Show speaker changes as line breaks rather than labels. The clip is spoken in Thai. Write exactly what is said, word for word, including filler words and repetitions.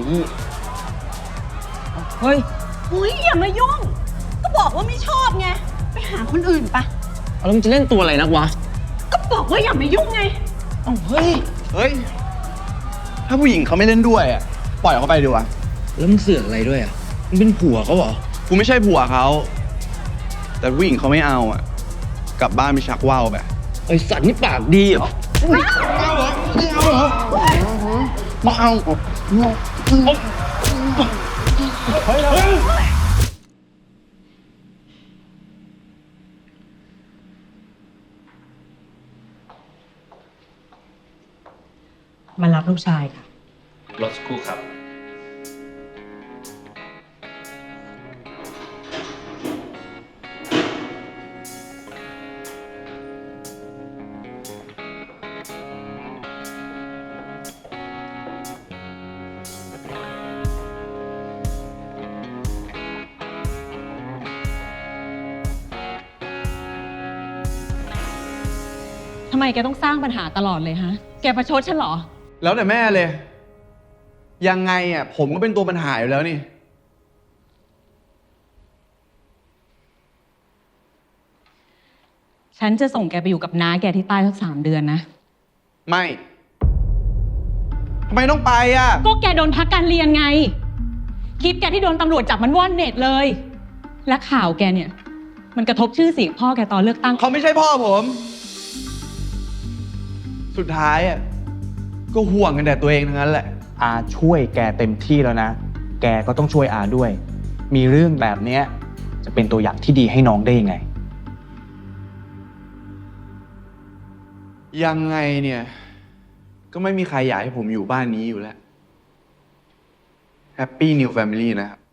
เฮ้ย
อุ้ยอย่ามายุ่ง ก็บอกว่าไม่ชอบไง ไปหาคนอื่นปะ
แล้วมึงจะเล่นตัวอะไรนักวะ
ก็บอกว่าอย่ามายุ่งไง
เอ้าเฮ้ย
เฮ้ย ถ้าผู้หญิงเขาไม่เล่นด้วยอ่ะ ปล่อยเขาไปดีกว่า
แล้วมึงเสือกอะไรด้วยอ่ะมึงเป็นผัวเขาเหรอ
กูไม่ใช่ผัวเขา แต่ผู้หญิงเขาไม่เอาอ่ะ กลับบ้านไปชักว่าวไป
ไอสัตว์นี่ปากดีเหรอ
ไม่เอาเหรอไม่เอาเหรอมาเอาเฮ้ยเรา
มารับลูกชายค่ะ
รถสักครู่ครับ
ทำไมแกต้องสร้างปัญหาตลอดเลยฮะ แกประชดฉันเหรอ
แล้วแต่แม่เลย ยังไงอ่ะ ผมก็เป็นตัวปัญหาอยู่แล้วนี่
ฉันจะส่งแกไปอยู่กับน้าแกที่ใต้สักสามเดือนนะ
ไม่ทำไมต้องไปอ่ะ
ก็แกโดนพักการเรียนไง คลิปแกที่โดนตำรวจจับมันว่อนเน็ตเลย และข่าวแกเนี่ย มันกระทบชื่อเสียงพ่อแกตอนเลือกตั้ง
เขาไม่ใช่พ่อผม สุดท้ายอ่ะ ก็ห่วงกันแต่ตัวเองทั้งนั้นแหละ
อาช่วยแกเต็มที่แล้วนะ แกก็ต้องช่วยอาด้วย มีเรื่องแบบเนี้ยจะเป็นตัวอย่างที่ดีให้น้องได้ยังไง
ยังไงเนี่ย ก็ไม่มีใครอยากให้ผมอยู่บ้านนี้อยู่แล้ว Happy New Family นะครับ